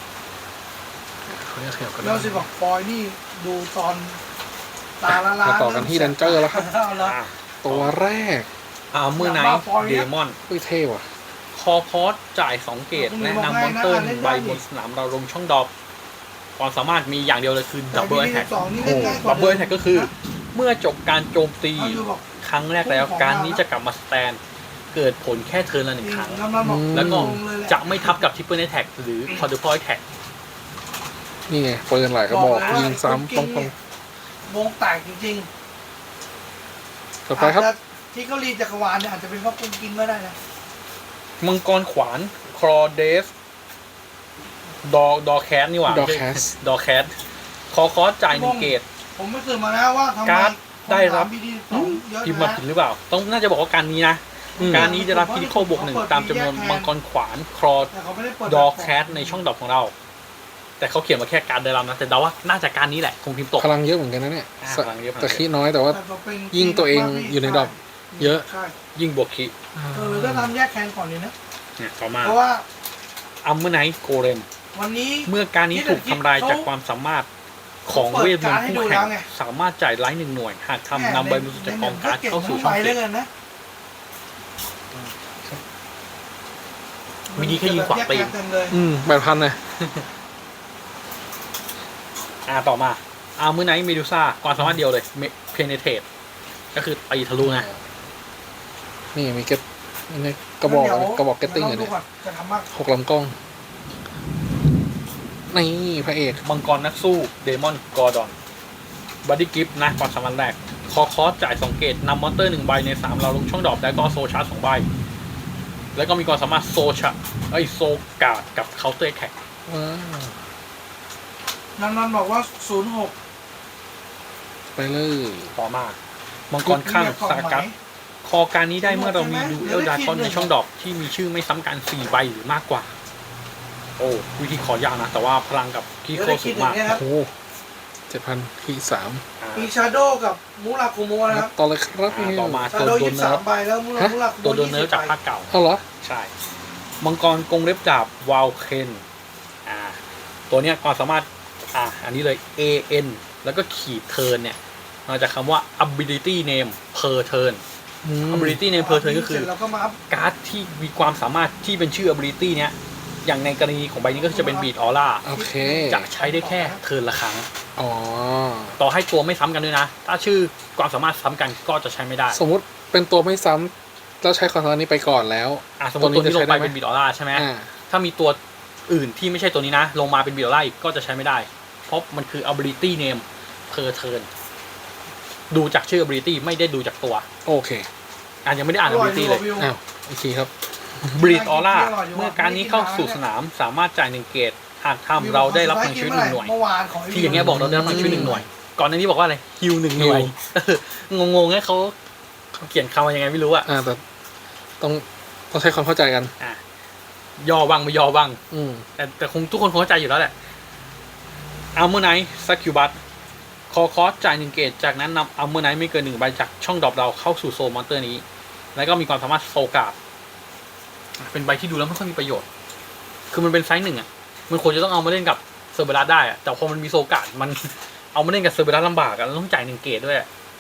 Speaker 2: เขาจะขยับกระดา
Speaker 1: เรา
Speaker 2: น
Speaker 1: สิบอกฟอยนี่ดูตอนตาละล้า
Speaker 2: มาต่อกันที่เรนเจอร์แล้วครับ
Speaker 1: แล้ว
Speaker 2: ตัวแรก
Speaker 3: เมื่อไนท์เดมอน
Speaker 2: เท่ว่ะ
Speaker 3: คอพอสจ่าย2เกตแนะนำมอนเตอร์1ใบบนสนามเราลงช่องดรอปความสามารถมีอย่างเดียวเลยคือดับเบิลแอทแทกดับเบิลแอทแทกก็คือเมื่อจบการโจมตีครั้งแรกแล้วการนี้จะกลับมาสแตนเกิดผลแค่เทิร์นละ1ครั้งแล้วก็จะไม่ทับกับทริปเปิลแอทแทกหรือควอดรูเปิลแอทแทก
Speaker 2: นี่ไงปืนหลายกระบอกยิงซ้ำป้อง
Speaker 1: วงแตกจริง
Speaker 2: ๆต่อไปครับ
Speaker 1: ที่เขารีจักรวาลเนี่ยอาจจะเป็นเพราะคุณกินไม่ได้นะ
Speaker 3: มังกรขวานครอเดสดอแคสนี่หว่า
Speaker 2: ดอแคส
Speaker 3: ดอแคสคอสจ่าย1เกต
Speaker 1: ผมไม่เคยมาแล้วว่าทำไม
Speaker 3: การ์ดได้รับ
Speaker 1: พิมพ์
Speaker 3: พิมพ์มาผิดหรือเปล่าต้องน่าจะบอกว่าการนี้นะการนี้จะรับคิริโคบวก 1ตามจำนวนมังกรขวานครอ
Speaker 1: แต่เขาไม่ได้เปิด
Speaker 3: ดอแคสในช่องดรอปของเรา แต่เขาเขียนมาแค่การเดินลำนะแต่เดาว่าน่าจะการนี้แหละคงพิมพ์ตก
Speaker 2: พลังเยอะเหมือนกันนะเนี่ย
Speaker 3: พลังเยอะ
Speaker 2: แต่ขี้น้อยแต่ว่า ยิ่งตัวเองอยู่ในดอกเยอะ
Speaker 1: ใช่
Speaker 3: ยิ่งบวกคิ
Speaker 1: หรือจะทำแยกแคนก่อนเลยนะ
Speaker 3: เนี่ยต่อมา
Speaker 1: เพราะว่า
Speaker 3: อัมเมอร์ไนท์โกเลม
Speaker 1: วันนี้
Speaker 3: เมื่อการนี้ถูกทำลายจากความสามารถของเวทมนต์คู่แข่งสามารถจ่ายไลท์1 หน่วย หากทำนำใบมือจากกองการ์ดเข้าสู่ช่องเก
Speaker 1: เล
Speaker 3: ต
Speaker 1: ยกันนะ
Speaker 3: มินิแค่ยิงขวาตี
Speaker 1: แยกแคนเต็มเลย
Speaker 2: 8,000นะ
Speaker 3: ต่อมาอัมเมอร์ไนท์เมดูซ่าความสามารถเดียวเลยเพเนเทตก็คือตีทะลุนะ
Speaker 2: นี่มีเก็ตนี่กระบอกเก็ตติ้ง
Speaker 1: เล
Speaker 2: เลย ย
Speaker 1: เนี่
Speaker 2: เนี่ย
Speaker 1: จะทำมาก
Speaker 2: 6 ลำกล้อง นี่พระเอก
Speaker 3: มังกรนักสู้เดมอนกอร์ดอนบัดดี้กิฟนะความสามารถแรกคอคอสจ่าย2 เกตนำมอนเตอร์1 ใบใน 3 เราลงช่องดรอปแล้วก็โซชาร์จ2 ใบ แล้วก็มีความสามารถโซโซการ์ดกับเคาน์เตอร์แท็ก
Speaker 2: ว้าว
Speaker 1: นันบอกว่า06
Speaker 2: ไปเลย
Speaker 3: ต่อมา มังกรข้างสากัสคอการนี้ได้เมื่อเรามีดูเอลดาคอนในช่องดรอปที่มีชื่อไม่ซ้ำกัน4 ใบหรือมากกว่า โอ้วิธีขอยากนะ แต่ว่าพลังกับคีโคสูงมาก
Speaker 2: โอ้โห7,000ที่3
Speaker 1: มีชาโดกับมูราคุโมะนะครับ
Speaker 2: ต่อเลยครับพี่
Speaker 3: ต่อมา
Speaker 1: ชา
Speaker 3: ตัว
Speaker 1: โด
Speaker 3: โดนเนิร์ฟ
Speaker 1: 23 ใบแล้วมูราคุโมะ
Speaker 3: ตัวโดนเนิร์ฟจากภาคเก่า
Speaker 2: เอาเหรอ
Speaker 3: ใช่ มังกรกรงเล็บดาบวาลเคนตัวเนี้ยความสามารถอันนี้เลย AN แล้วก็ขีดเทิร์นเนี่ยมาจากคำว่า ability name per turn ability name per turn ก็คือ
Speaker 1: แล้วก็มาอัพ
Speaker 3: การ์ดที่มีความสามารถที่เป็นชื่อ ability เนี้ยอย่างในกรณีของใบนี้ก็จะเป็น beat aura
Speaker 2: โอเค
Speaker 3: จะใช้ได้แค่เทิร์นละครั้ง
Speaker 2: อ๋อ
Speaker 3: ต่อให้ตัวไม่ซ้ำกันด้วยนะ ถ้าชื่อความสามารถซ้ำกันก็จะใช้ไม่ได้
Speaker 2: สมมุติเป็นตัวไม่ซ้ำแล้วใช้ความสามารถนี้ไปก่อนแล้ว
Speaker 3: สมมติตัวนี้ลงไปเป็น beat aura ใช่ไหม
Speaker 2: อ่า
Speaker 3: ถ้ามีตัวอื่นที่ไม่ใช่ตัวนี้นะ ลงมาเป็น beat aura อีกก็จะใช้ไม่ได้ เพราะมันคือ ability name per turn ดูจากชื่อ ability ไม่ได้ดูจากตัว
Speaker 2: โอเค
Speaker 3: ยังไม่ได้อ่าน ability เลย
Speaker 2: อ้าวอีกทีครับ
Speaker 3: Bleed Aura เมื่อการนี้เข้าสู่สนามสามารถจ่าย 1 เกตหากทำเราได้รับพลังชีวิต1 หน่วย
Speaker 1: เมื่อวานของ
Speaker 3: ที่อย่างเงี้ยบอกเราได้รับพลังชีวิต1 หน่วย ก่อนหน้านี้บอกว่าอะไรฮิว1 หน่วย งงๆให้เขาเขียนคำว่ายังไงไม่รู้อะ
Speaker 2: แต่ต้องใช้ความเข้าใจกัน
Speaker 3: ย่อบ้างไม่ย่อบ้าง
Speaker 2: อืม
Speaker 3: แต่คงทุกคนคงเข้าใจอยู่แล้วแหละอัลเมอร์ไนท์ซักคิวบัตคอคอสจ่าย 1 เกตจากนั้นนำอัลเมอร์ไนท์ไม่เกิน1 ใบจากช่องดรอปเราเข้าสู่โซมอนเตอร์นี้ แล้วก็มีความสามารถโซการ์ดเป็นใบที่ดูแล้วไม่ค่อยมีประโยชน์ คือมันเป็นไซส์1มันควรจะต้องเอามาเล่นกับเซอร์เบรัสได้แต่พอมันมีโซการ์ดมันเอามาเล่นกับเซอร์เบรัสลำบากต้องจ่าย 1 เกตด้วย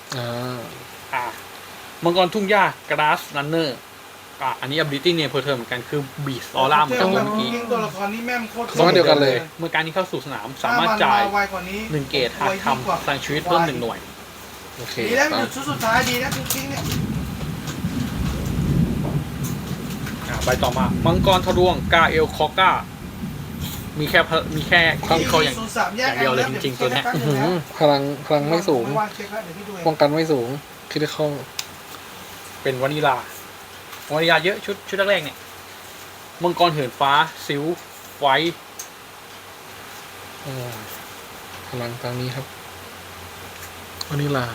Speaker 3: มังกรทุ่งหญ้ากราสรันเนอร์อันนี้ ability name per turn เหมือนกันคือบีสออร่าเหมือนกันเมื่อกี้
Speaker 1: ตัวละครนี้แม่มโคตร
Speaker 2: สามารถเดียวกันเลย
Speaker 3: เมื่อการนี้เข้าสู่สนามสามารถจ่าย
Speaker 1: ไวกว่านี้
Speaker 3: 1 เกตหากทำพลังชีวิตเพิ่ม1 หน่วย
Speaker 2: โอเค
Speaker 1: ดีแล้วมันชุดสุดท้ายดีนะจริงๆเนี่ย
Speaker 3: ใบต่อมามังกรทะลวงกาเอลคอก้ามีแค่ที่เขาอย่างเดียวเลยจริงๆตัวเนี้ย
Speaker 2: อื้อหือพลังไม่สูง ป้องกันไม่สูงคิดได้เข้า
Speaker 3: เป็นวานิลาเยอะชุดแรกๆเนี่ยมังกรเหินฟ้าซิลไว้
Speaker 2: พลังตามนี้ครับวานิลา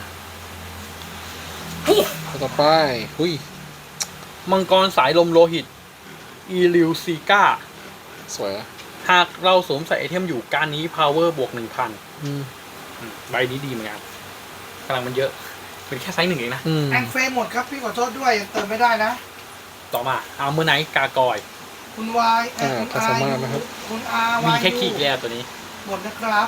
Speaker 2: ต่อไปหุ้ย
Speaker 3: มังกรสายลมโลหิตอีลิวซีกา
Speaker 2: สวยอะ
Speaker 3: หากเราสวมใส่ไอเทมอยู่การนี้ power บวก 1,000 ใบนี้ดีเหมือนกันพลังมันเยอะเป็นแค่ไซส์ 1เองนะ
Speaker 1: แองเฟหมดครับพี่ขอโทษด้วยยังเติมไม่ได้นะ
Speaker 3: ต่อมาอาร์เมอร์ไนท์กากอย
Speaker 1: คุณวายคุณอาคุณอา
Speaker 3: มีแค่ขี้แย่ตัวนี้
Speaker 1: หมดนะครับ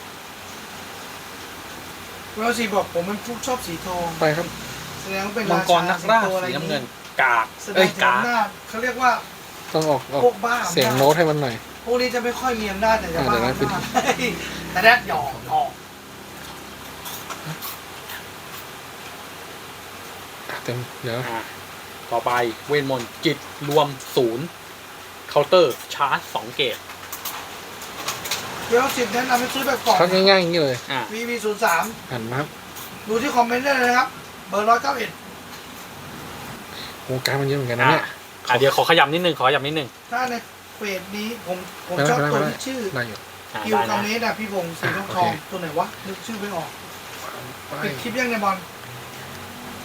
Speaker 1: เวลซีบอกผมเป็นผู้ชอบสีทอง
Speaker 2: ไปครับ
Speaker 1: แสดงว่าเป็น
Speaker 3: มังกรนักล่าสีน้ำเงินกาก
Speaker 1: แสดงถึงอำนาจเขาเรียกว่า
Speaker 2: ต้องออก
Speaker 1: พวกบ้า
Speaker 2: เสียงโน้ตให้มันหน่อย
Speaker 1: พวกนี้จะไม่ค่อยมีอำนาจแต่จะบ้า
Speaker 2: เดี๋ยวนะ
Speaker 1: มากแต่แรดหยอก
Speaker 2: เต็มเดี๋ยว
Speaker 3: ต่อไปเวทมนต์จิตรวม0เคาน์เตอร์ชาร์จ2 เกต
Speaker 1: เวลซีแนะนำให้ซื้อแบบกล่อง
Speaker 2: ชักง่ายๆอย่างนี้เลย
Speaker 1: VV03
Speaker 2: หันมาครับ
Speaker 1: ดูที่คอมเมนต์ได้เลยนะครับ เบอร์191
Speaker 2: วงการมันเยอะเหมือนกันนะเนี่ย
Speaker 3: เดี๋ยวขอขยับนิดนึง
Speaker 1: ถ้าในเฟสนี้ผมชอบตัวที่ชื่อ
Speaker 2: ได้อยู่
Speaker 1: คิวคอมเมนต์พี่พงศ์สีทองตัวไหนวะนึกชื่อไม่ออกปิดคลิปยังในบอล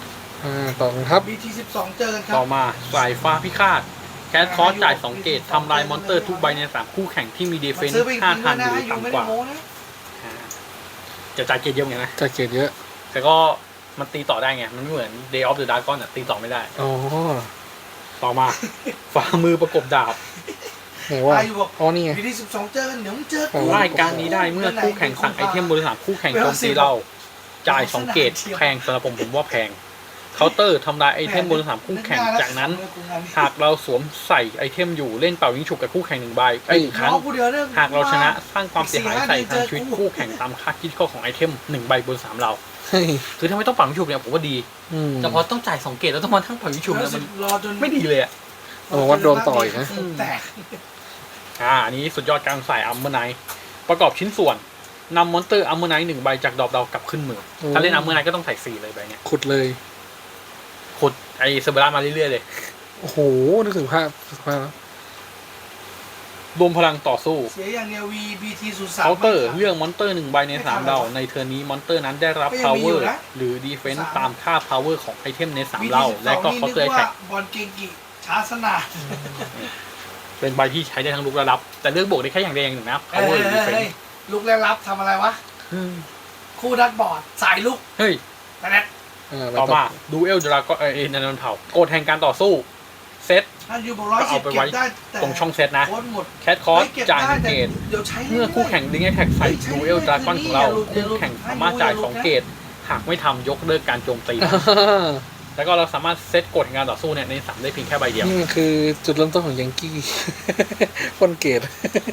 Speaker 2: ต่อครับ
Speaker 1: BT12 เจอกันครั
Speaker 3: ต่อมาสายฟ้าพิฆาตแคสคอสจ่าย2 เกตทำลายมอนเตอร์ทุกใบใน3คู่แข่งที่มีเดเฟน
Speaker 1: ซื้อไป
Speaker 3: ส์
Speaker 1: 5,000
Speaker 3: 5,000ห
Speaker 1: นะ
Speaker 3: รือ
Speaker 1: อยู่ไม่
Speaker 3: ต่ำก
Speaker 1: ได้
Speaker 3: ว่า
Speaker 1: โม้นะ
Speaker 3: จะจ่ายเกตเยอะเหมือนกันนะ
Speaker 2: จะเกรดเยอะ
Speaker 3: แต่ก็มันตีต่อได้ไง มันไม่เหมือน Day of the Dragon อ่ะตีต่อไม่ได้
Speaker 2: อ๋อ
Speaker 3: ต่อมา ฝ่ามือประกบดาบ
Speaker 2: ไหนว่า
Speaker 1: อายุบอก
Speaker 2: อ๋อนี่ไง
Speaker 1: BT12 เจอกันเดี๋ยวมึงเจอกู
Speaker 2: โอ้
Speaker 3: รายการนี้ได้เมื่อคู่แข่งสั่งไอเทมบริษัทคู่แข่งโจมตีเรา จ่าย2 เกตแพงสำหรับผมว่าแพงเคาน์เตอร์ทำลายไอเทมบริษัทคู่แข่งจากนั้น หากเราสวมใส่ไอเทมอยู่เล่นเป่ายิงฉุกกับคู่แข่ง1 ใบ1 ครั้ง หากเราชนะสร้างความเสียหายใส่ทางชีวิตคู่แข่งตามค่าคิดข้อของไอเทม1 ใบบน3เรา
Speaker 2: เฮ้ย
Speaker 3: คือถ้าไม่ต้องเป่ายิงฉุกเนี่ยผมว่าดี
Speaker 2: อืม
Speaker 3: แต่พอต้องจ่าย2 เกตแล้วต้องมาทั้งเป่ายิงฉุกเนี่ยมัน
Speaker 1: รอจน
Speaker 3: ไม่ดีเลยอ่ะ
Speaker 2: เอามาวัดดวงต่ออีกนะ
Speaker 1: แตก
Speaker 3: อันนี้สุดยอดการใส่อัมเมอร์ไนท์ประกอบชิ้นส่วนนำมอนเตอร์อัมเมอร์ไนท์1 ใบจากดอกเรากลับขึ้นมือ ถ้าเล่นอัมเมอร์ไนท์ก็ต้องใส่4เลยใบเนี้ย
Speaker 2: ขุดเลย
Speaker 3: ขุดไอเซอร์เบรามาเรื่อยๆเลย
Speaker 2: โอ้โห นึกถึงภาพแล้ว
Speaker 3: รวมพลังต่อสู้
Speaker 1: เสียอย่างเดียว BT03
Speaker 3: เคาน์เตอร์เลือกมอนเตอร์1 ใบใน3เราในเทอร์นนี้มอนเตอร์นั้นได้รับ
Speaker 1: ก็ยังมีอยู่
Speaker 3: power
Speaker 1: นะ
Speaker 3: หรือ defense ตามค่า power ของไอเทมใน3เราและก็
Speaker 1: BT12
Speaker 3: เคาน์เตอร์
Speaker 1: นี่
Speaker 3: แท็
Speaker 1: นึ
Speaker 3: ก
Speaker 1: กว่าบอลเกงกิช้าสนาน
Speaker 3: เป็นใบที่ใช้ได้ทั้งลุกและรับ แต่เลือกบวกได้แค่อย่างใดอย่างหนึ่งนะ power หรือ defense
Speaker 1: ลุกแล้วรับทำอะไรวะ คู่ดัดบอร์ดสายลุก
Speaker 3: เฮ้ย
Speaker 1: แต่แน่
Speaker 3: ต่อมาดูเอลดราก้อนนันเผากฎแห่งการต่อสู้เซต
Speaker 1: ถ้าอยู่บอก110
Speaker 3: ก็เอาไปไว้
Speaker 1: เก็บได้แต่
Speaker 3: ตรงช่องเซตนะ
Speaker 1: โค้ดหมด
Speaker 3: แคทคอร์ส
Speaker 1: เก็บ
Speaker 3: จ่าย
Speaker 1: ได้
Speaker 3: 1 เกต
Speaker 1: เดี๋ยวใช้
Speaker 3: เมื่อคู่แข่งลิงก์แท็กใส่ดูเอลดราก้อนของเรา
Speaker 1: อย่าหลุด
Speaker 3: คู่แข่งสามารถจ่าย2 เกต หากไม่ทำยกเลิกการโจมตี แล้วก็เราสามารถเซตกฎแห่งการต่อสู้เนี่ยใน3ได้เพียงแค่ใบเดียว
Speaker 2: นี่มันคือจุดเริ่มต้นของยังกี้ คนเกต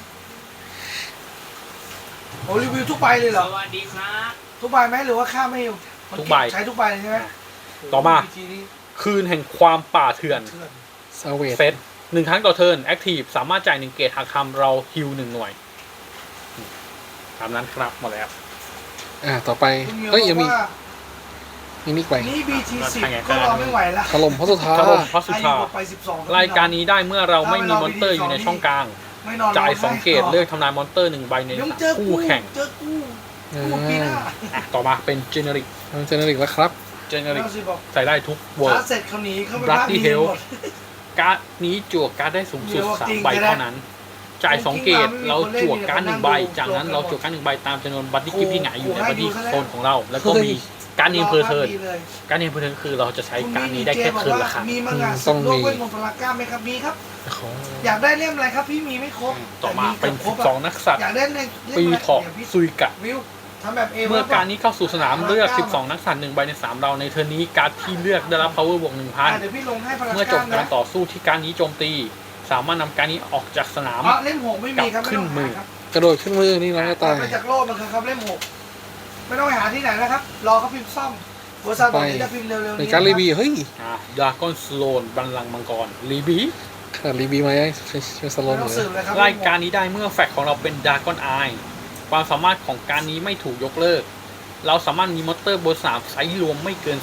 Speaker 1: โอ้รีวิวทุกใบเลยเหรอ
Speaker 4: สวัสดีครับ
Speaker 1: ทุกใบไหมหรือว่าค่าไม่อยู่มัน
Speaker 3: ทุกใบ
Speaker 1: ใช้ทุกใบเลยใช่ไหม
Speaker 3: ต่อมา
Speaker 1: วิธีนี้
Speaker 3: คืนแห่งความป่าเถื่อน
Speaker 1: เถื่อน
Speaker 2: ซาเวต
Speaker 3: เซต1 ครั้งต่อเทิร์นแอคทีฟสามารถจ่าย1 เกตหากทำเราฮิล1 หน่วยตามนั้นครับหมดแล้ว
Speaker 2: ต่อไป
Speaker 1: คุณเหมียว
Speaker 2: เฮ้ย
Speaker 1: บ
Speaker 2: ยั
Speaker 1: อง ก
Speaker 2: มี
Speaker 1: ว่า
Speaker 2: มีนิกไป
Speaker 1: นี่ BT10
Speaker 3: ทางไง
Speaker 1: ก็รอไม่ไหวแล้ว
Speaker 2: ถล่มเพราะสุดท้าย
Speaker 3: ถล่มพระสุธา
Speaker 1: อายุไป12
Speaker 3: รายการนี้ได้เมื่อเราไม่มีมอนเตอร์อยู่ในช่องกลาง
Speaker 1: ไม่นอน
Speaker 3: จ่าย
Speaker 1: ร้
Speaker 3: 2 เกตเลือกทำลายมอนเตอร์1 ใบใน
Speaker 1: เดี๋ยวมึงเจอ
Speaker 3: คู่แข่ง
Speaker 1: เจอกูกูปีหน้า
Speaker 3: ต่อมาเป็นเจเนริก
Speaker 2: มันเจเนริกแล้วครับ
Speaker 3: เจเนริก
Speaker 1: แล้วสิบอก
Speaker 3: ใส่ได้ทุกเวิร์
Speaker 1: ชาร์จเสร็จเขาหนีเขาไป
Speaker 3: Bloody
Speaker 1: บ้านดี
Speaker 3: Hell
Speaker 1: หมด
Speaker 3: การ์ดนี้จั่วการ์ดได้สูงสุด
Speaker 1: เดี๋ยวจริง
Speaker 3: 3 ใบ
Speaker 1: ก็ได้
Speaker 3: เท่านั้น จ่าย 2 เกต
Speaker 1: จริงๆ
Speaker 3: เราจั่วการ์ด
Speaker 1: มีคนเล่น
Speaker 3: 1 ใบ
Speaker 1: อยู่
Speaker 3: จากนั้น
Speaker 1: โกรธ
Speaker 3: เราจั่วการ์ด1 ใบตามจำนวนบัตตี้กิฟที่หงายอยู่ใน
Speaker 1: โอ้โห
Speaker 3: บัตตี้
Speaker 1: ให้ดูซะแล้ว
Speaker 3: โซนของเรา แล้วก็มีการ์ดเนมเพอร์เทิร์น
Speaker 1: ดีเลย
Speaker 3: การ์ดเนมเพอร์เทิร์นคือเราจะใช้
Speaker 1: คุณ
Speaker 3: การ์ด
Speaker 1: มี
Speaker 3: นี้ได้แค่
Speaker 1: เจบอก
Speaker 3: คืน
Speaker 1: ว่า
Speaker 3: ละครั้ง
Speaker 1: มีมังงะ
Speaker 2: ต้
Speaker 1: สุ
Speaker 2: อง
Speaker 1: ดโลก
Speaker 2: มี
Speaker 1: เวทมนต์พลากล้ามไหมครับมีครับ
Speaker 2: ของ
Speaker 1: อยากได้เล่มอะไรครับพี่มีไม่ครบ
Speaker 3: ต่อมา
Speaker 1: แต่
Speaker 3: เป็น
Speaker 1: ครบอะ
Speaker 3: 12 นักสัตว์
Speaker 1: อยากได้เล่ม
Speaker 3: ปี
Speaker 1: อะไร
Speaker 3: เถาะ
Speaker 1: ดี๋ยวพี่
Speaker 3: ซุยกะ
Speaker 1: วิวทำแบบเอ
Speaker 3: เมื่อการนี้เข้าสู่สนามเลือก 12 นักสัตว์1 ใบใน 3 เราในเทอร์นนี้การ์ดที่เลือกได้รับ power บวก
Speaker 1: เดี๋ยวพี่ลงให้พลา
Speaker 3: 1,000 เมื่อจ
Speaker 1: ก้า
Speaker 3: บ
Speaker 1: ม
Speaker 3: การ
Speaker 1: นะ
Speaker 3: ต่อสู้ที่การนี้โจมตี สามารถนำการนี้ออกจากสนาม
Speaker 1: อ๋อเล่มหกไม่มีครับ
Speaker 3: กลับขึ้นมือ
Speaker 1: ไต้องหาครับ
Speaker 2: กระโดดขึ้นมือนี่น้องจะตาย
Speaker 1: ไปจากโลกมันคือครับเล่มหกไม่ต้องไปหาที่ไหนนะครับ รอเขาพิมพ์ซ่อมบริษัทบอกว่าจะพิมพ์เร็วๆ
Speaker 2: ใน
Speaker 1: นี้
Speaker 2: การรีบีเฮ้ย
Speaker 3: ดราก้อนสโลนบัลลังก์มังกรรีบี
Speaker 2: ขนาดรีบีมายังช่วยสโล
Speaker 1: ไม่
Speaker 2: น
Speaker 1: ต้อง
Speaker 2: เล
Speaker 1: สื
Speaker 2: ย
Speaker 1: บเลยครับ
Speaker 3: รายการนี้ได้เมื่อแฟกของเราเป็นดราก้อนไอความสามารถของการนี้ไม่ถูกยกเลิก เราสามารถมีมอนเตอร์บนสามไซส์รวมไม่เกิน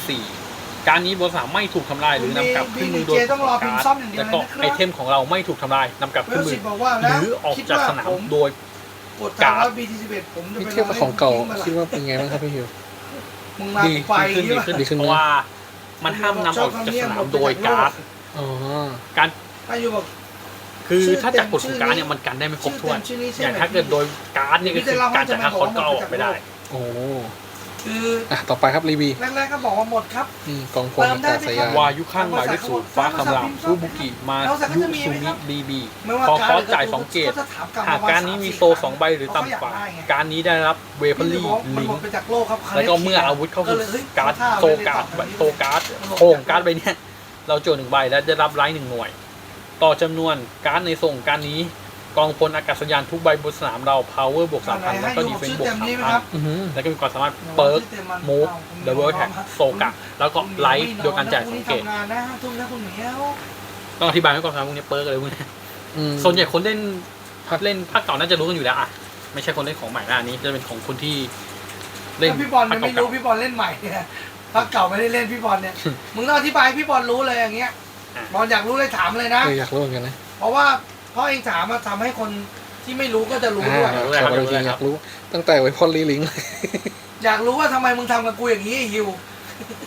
Speaker 3: 4 การนี้บนสามไม่ถูกทำลายหรือนำกลับขึ้นมือโดย
Speaker 1: ต้องรอพิมพ์ซ่อมอย่างเดียว
Speaker 3: แล้ว
Speaker 1: เลย
Speaker 3: ก็
Speaker 1: นะครับ
Speaker 3: ไอเทมของเราไม่ถูกทำลายนำกลับ
Speaker 1: เว
Speaker 3: ขึ้น
Speaker 1: ล
Speaker 3: มื
Speaker 1: สิ
Speaker 3: อบ
Speaker 1: บอกว่า
Speaker 3: ห
Speaker 1: แล้ว
Speaker 3: รือออกจากสนามโดย
Speaker 1: กดตามว่า BT11 ผมจะ
Speaker 2: นี่
Speaker 1: ไป
Speaker 2: เทียบกับของเก่า
Speaker 1: ล
Speaker 2: คิดว่าเป็นไงบ้างครับพี่ฮิว
Speaker 1: มึงมา
Speaker 3: ดี
Speaker 1: ไป
Speaker 3: ขึ้น
Speaker 1: ใช่
Speaker 3: ดี
Speaker 1: ปะ
Speaker 3: ขึ้น
Speaker 2: ดีขึ้น
Speaker 3: เพราะว่ามันห้ามนำออกจากสนามโดยการ์ด
Speaker 2: อ๋อ
Speaker 3: การ
Speaker 1: อายุบอก
Speaker 3: คือถ้าจากกฎของการ์ดเนี่ยมันกันได้ไม่ครบถ้วน
Speaker 1: ชื่อนี้ใช่
Speaker 3: อ
Speaker 1: ไหม
Speaker 3: ย่างถ้าเกิดโดยการ์ดเนี่ยก็คือการจากห้าคอนก็เอาออกไม่ได้
Speaker 2: โอ้
Speaker 1: คือ
Speaker 2: ต่อไปครับรีบี
Speaker 1: แรกๆก็บอกว่าหมดครับ
Speaker 2: นี่กองพลอากาศยาน
Speaker 3: วายุข้างหมายเลขศูนย์ฟ้าคำรามฟูบุกิมายุซูมิบีบี
Speaker 1: ไม่ว่า
Speaker 3: พอ
Speaker 1: การ
Speaker 3: คอสจ่าย2 เกต
Speaker 1: จะถามลับ
Speaker 3: หากการนี้มีโซ2 ใบหรือต่ำกว่า การนี้ได้รับเวเปอรี่
Speaker 1: มัน
Speaker 3: ลิ
Speaker 1: หม
Speaker 3: ง
Speaker 1: ดไปจากโลกครับ
Speaker 3: แล้วก็เมื่ออาวุธเข้าสู่การ์ดโซการ์ดโซการ์ดโคงการ์ดใบเนี้ยเราโจทย์1 ใบและได้รับไลท์1 หน่วย ต่อจำนวนการ์ดในส่งการนี้กองพลอากาศยานทุกใบบนสนามเรา power บวก 3,000 แล้วก็ดีเฟนซ์บวก 3,000
Speaker 2: อือหือ
Speaker 3: แล้วก็มีความสามารถเปิร์กมูฟดับเบิลแท็กโซกะแล้วก็ไลท์โดยการจ่าย2 เกต
Speaker 1: ทำงานนะทุ่มนะคุณเหมียว
Speaker 3: ต้องอธิบายให้ก่อนครับพวกนี้เปิร์กอะไรพวกนี้
Speaker 2: อืม
Speaker 3: ส่วนใหญ่คนเล่นภาคเก่าน่าจะรู้กันอยู่แล้วอ่ะไม่ใช่คนเล่นของใหม่นะอันนี้จะเป็นของคนที่เล่น
Speaker 1: ถ้าพี่บอล
Speaker 3: ภา
Speaker 1: ยั
Speaker 3: ค
Speaker 1: งไม่
Speaker 3: เก่า
Speaker 1: รู้พี่บอลเล่นใหม่เนี่ยภาคเก่าไม่ได้เล่นพี่บอลเนี่ยมึงต้องอธิบายให้พี่บอลรู้เลยอย่างเงี้ยบอลอยากรู้เลยถามเลยนะ
Speaker 2: อยากรู้เหมือนกันนะ
Speaker 1: เพราะว่าเพราะเองถามมาทำให้คนที่ไม่รู้ก็จะรู้ด้วย
Speaker 2: ขอจริงอยากรู้ ตั้งแต่ไว้พอลลีลิง
Speaker 1: อยากรู้ว่าทำไมมึงทำกับกูอย่างนี้ไอ้ฮิว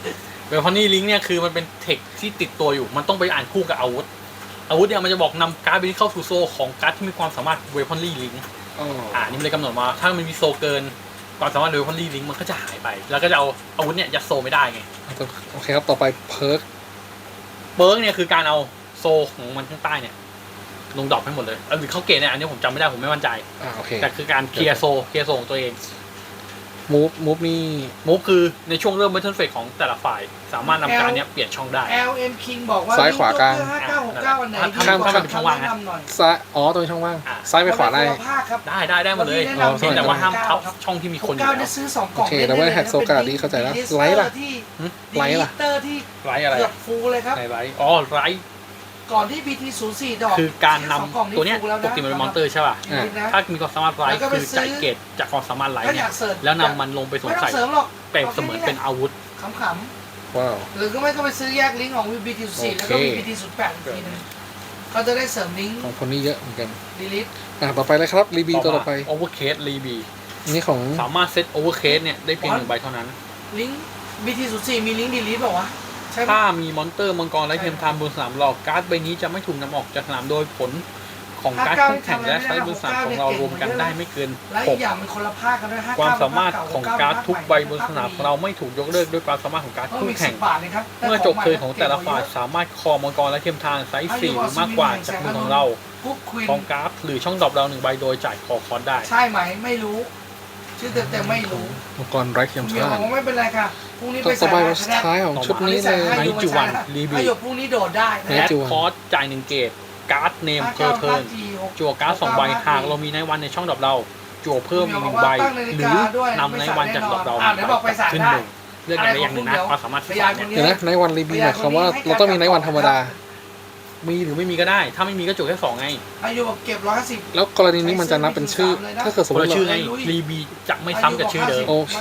Speaker 3: เวพอนนี่ลิงก์เนี่ยคือมันเป็นเทคที่ติดตัวอยู่มันต้องไปอ่านคู่กับอาวุธเนี่ยมันจะบอกนำการ์ดไปเข้าสู่โซของการ์ดที่มีความสามารถเวพอนนี่ลิงก์นี่มันเลยกำหนดมาถ้ามันมีโซเกินความสามารถเวพอนนี่ลิงก์มันก็จะหายไปแล้วก็จะเอาอาวุธเนี่ยยัดโซไม่ได้ไง
Speaker 2: โอเคครับต่อไปเพิร์ก
Speaker 3: เนี่ยคือการเอาโซของมันข้างใต้เนี่ยลงดรอปให้หมดเลยหรือเข้าเกณฑ์เนี่ยอันนี้ผมจำไม่ได้ผมไม่มั่นใจ
Speaker 2: โอเค
Speaker 3: แต่คือการเคลียร์โซของตัวเอง
Speaker 2: มูฟนี่
Speaker 3: มูฟคือในช่วงเริ่มเบทเทิลเฟสของแต่ละฝ่ายสามารถนำการเนี้ยเปลี่ยนช่องได้
Speaker 1: LM King บอกว่า
Speaker 2: ซ้ายขวากลาง
Speaker 1: 5969อันไหน
Speaker 3: ข้ามเป็นช่องว่างนะ
Speaker 2: ซ้ายตรงช่องว่างซ้ายไปขวาได้
Speaker 3: ได้หมดเลยแต่ว่าห้ามทับช่องที่มีคนอยู่
Speaker 1: 69
Speaker 3: แล้
Speaker 1: จะ
Speaker 3: ว
Speaker 1: ซื้อ2กล่อง
Speaker 2: โอเคแต่ว่าแฮกโซกาดีเข้าใจแล้วไลท์ล่ะ ไลท์ล่ะ
Speaker 1: เตอร์ที่
Speaker 3: ไรอะไร
Speaker 1: เกือบฟูลเลยครับ
Speaker 3: ไรไร
Speaker 1: ก่อนที่ BT04 ดอก
Speaker 3: คือการนำ
Speaker 1: สองกล่อง
Speaker 3: ตัวเนี้ย
Speaker 1: ฟูลแล้ว
Speaker 3: ปกติมันเป็นมอนเตอร์ใช่ป่ะ ถ้ามีความสามารถไรคือจ่ายเกตจากความสามารถไร
Speaker 1: ถ้าอ
Speaker 3: เนี่ย
Speaker 1: ยากเสริม
Speaker 3: แล้วนำมันลงไปสวม
Speaker 1: ไม่ต้อ
Speaker 3: ใส่
Speaker 1: งเสริมหรอก
Speaker 3: เปรียบเสมือนเป็นอาวุธ
Speaker 1: ขำ
Speaker 2: ว้าว
Speaker 1: ๆหรือก็ไม่ก็ไปซื้อแยกลิงก์ของ BT04 แล้วก็มี BT08 อีกทีนึงก็จะได้เสริมลิงก์
Speaker 2: ของคนนี้เยอะเหมือนกัน
Speaker 1: ดีลิท
Speaker 2: ต่อไปเลยครับรีบีตัวต่อไป
Speaker 3: โอเวอร์เคสรีบี
Speaker 2: นี่ของ
Speaker 3: สามารถเซตโอเวอร์เคสเนี่ยได้เพียง1ใบเท่านั้น
Speaker 1: ลิงก์ BT04 มีลิงก์ดีลิทเปล่าวะใช่ไหม
Speaker 3: ถ้ามีมอนเตอร์มังกรและเทียมไทม์บนสนามหลอกการ์ดใบนี้จะไม่ถูกนำออกจากสนามโดยผลของการ์ดคู่แข่งและไซส์บนสนามของเรารวมกันได้ไม่เกิน
Speaker 1: และอีกอย่างมันคนละภาคกันด้วย59
Speaker 3: ความสามารถของการ์ดทุกใบบนสนามของเราไม่ถูกยกเลิกด้วยความสามารถของการ์ดคู่แข่ง
Speaker 1: บาทเลยครับ
Speaker 3: เมื่อจบเทิร์นของแต่ละฝ่ายสามารถคอมังกรและเทียมทางไซส์4หรือมากกว่าจากมือของเรา
Speaker 1: ปุ๊บควีน
Speaker 3: ของการ์ดหรือช่องดรอปเรา1ใบโดยจ่ายคอคอนได้
Speaker 1: ใช่ไหมไม่รู้ ชื่อเต็มๆไม่รู้
Speaker 2: มังกรไร้เทียม
Speaker 1: เดี๋ยว
Speaker 2: ชา
Speaker 1: ผมไม่เป็นไรค่ะพรุ่งนี้ไป
Speaker 2: ต่อ
Speaker 1: ใส่
Speaker 2: ไป
Speaker 1: บา
Speaker 2: วัน
Speaker 1: ตร
Speaker 2: สุด
Speaker 1: นะ
Speaker 2: ท้ายของชุดนี้เลย
Speaker 3: ไนจูวันรีบี
Speaker 1: ประโยคพรุ่งนี้โดดได้นะ
Speaker 3: แอดคอร์สจ่าย1เกตการ์ดเนมเพอร์เทิร์นจั่วการ์ด2ใบหากเรามีในวันในช่องดรอปเราจั่วเพิ่มอีก1ใบหรือนำในวันจากดรอปเราขึ้นหนึ่งเลือกอย่างใดอย่างหนึ่งนะความสามารถที่2เนี่ย
Speaker 2: เดี๋ยวนะในวันรีบีหมายความว่าเราต้องมีในวันธรรมดา
Speaker 3: มีหรือไม่มีก็ได้ ถ้าไม่มีก็จั่วแค่2ไง
Speaker 1: อายุบอกเก็บ150
Speaker 2: แล้วกรณีนี้มันจะนับเป็นชื่อ ถ้าเกิดสม
Speaker 3: ค
Speaker 2: ม
Speaker 3: น
Speaker 2: ติ
Speaker 3: ละ
Speaker 2: เรา
Speaker 3: ชื่อไงรีบีจะไม่ซ้ำกับชื่อเดิม
Speaker 2: โอเค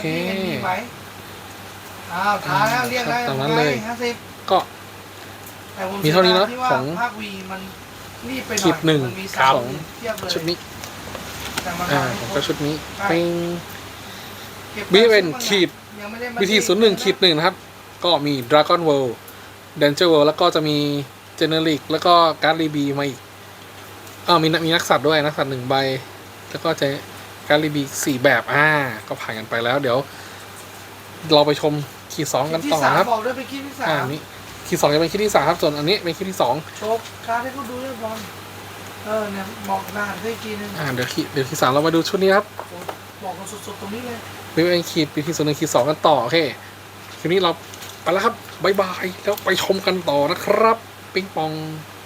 Speaker 1: อ้าวท้าแล้วเรียกแล้ว
Speaker 2: ตามนั้นเลย
Speaker 1: 50
Speaker 2: ก็
Speaker 1: แต่ผ
Speaker 2: มีเท่านี้เนอะ
Speaker 1: ที่ว่
Speaker 2: ของ
Speaker 1: ภาควีมันรีบไปหน่อย
Speaker 2: ขีดหนึ่ง
Speaker 1: มัมี
Speaker 3: ครับ
Speaker 1: สามเทียบเลย
Speaker 2: ชุดนี้
Speaker 1: แต่มัน
Speaker 2: ผมก็ชุดนี้เป็น
Speaker 1: ก็บ
Speaker 2: BN ขีด
Speaker 1: ยังไม่ได้มา
Speaker 2: BT01-1นะครับ ก็มี Dragon World Danger World แล้วก็จะมี Generic แล้วก็การ์ดรีบีมาอีกมีนักสัตว์ด้วยนักสัตว์1ใบ แล้วก็จะการ์ดรีบี4แบบก็ผ่านกันไปแล้ว เดี๋ยว เราไปชมขีด2กันต่อนะครับ
Speaker 1: บอกด้วยไปคิดที่สาม
Speaker 2: นี่ขีด2จะเป็นขีดที่3ครับส่วนอันนี้เป็นขีดที่2
Speaker 1: โชว์การ์ดให้เขาดูเรียบร้อยเนี่ยบอกรหัสให้อีกทีนึง
Speaker 2: เดี๋ยวขีด3เรามาดูชุดนี้ครับ
Speaker 1: บอกกันสดๆตรงนี้เลย
Speaker 2: เป็นขีด BT01 ขีด2กันต่อโอเคคลิปนี้เราไปแล้วครับบ๊ายบายแล้วไปชมกันต่อนะครับ ปิงปอง